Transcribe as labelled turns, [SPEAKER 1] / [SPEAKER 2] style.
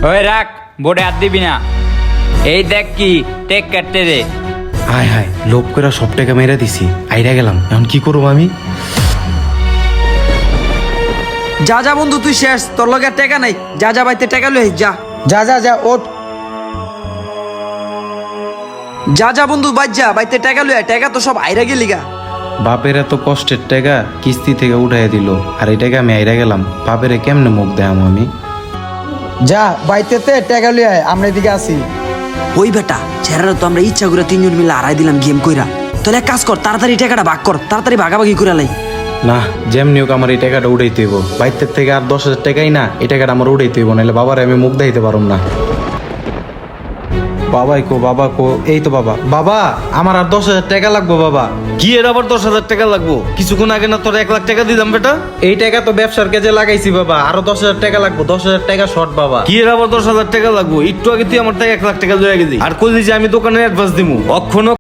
[SPEAKER 1] ওই রাখ, বোর্ডে হাত দিবি না। এই দেখ কি টেক কাটতে দে।
[SPEAKER 2] হায় হায়, লোভ করে সব টাকা মেরে দিছি, আইরা গেলাম, এখন কি করবো আমি?
[SPEAKER 3] যা যা বন্ধু তুই শেষ, তোর লগে আর টাকা নাই। যা যা বাইতে টাকা লই যা।
[SPEAKER 4] যা যা যা ওঠ।
[SPEAKER 3] যা যা বন্ধু বাইর যা, বাইতে টাকা লই, টাকা তো সব আইরা গেলি গা।
[SPEAKER 2] বাপের এত কষ্টের টাকা কিস্তি থেকে উঠাই দিল, আর এই টাকা আমি আইরা গেলাম। বাপেরে কেমনে মুখ দেয়াম আমি?
[SPEAKER 4] যা বাইতেতে টাকা লই আয়, আমরা এদিকে আসি।
[SPEAKER 3] ওই বেটা ছেড়ারা তো আমরা ইচ্ছা করে তিনজন মিলে আড়াই দিলাম গেম কইরা। তাহলে এক কাজ কর, তাড়াতাড়ি টাকাটা ভাগ কর, তাড়াতাড়ি ভাগাভাগি করে লাই।
[SPEAKER 2] না, যেমনি হোক আমার এই টাকাটা উঠাইতে হইব। বাইতের থেকে আর 10,000 টাকাই না, এই টাকাটা আমার উঠাইতে হইব, নাহলে বাবারে আমি মুখ দেখাইতে পারুম না। বাবাই কো, বাবা কো, এই তো বাবা। বাবা, আমার আর 10,000 টাকা লাগবো বাবা।
[SPEAKER 5] কি এর আবার 10,000 টাকা লাগবো? কিছুক্ষণ আগে না তোর 1 লাখ টাকা দিলাম বেটা।
[SPEAKER 2] এই টাকা তো ব্যবসার কাজে লাগাইছি বাবা, আরো 10,000 টাকা লাগবো। 10,000 টাকা শর্ট বাবা।
[SPEAKER 5] কি এর আবার 10,000 টাকা লাগবো? একটু আগে তুই আমার টাকা 1 লাখ টাকা লয়ে গেলি, আর কইলি যে আমি দোকানে অ্যাডভান্স দিমু। অক্ষণ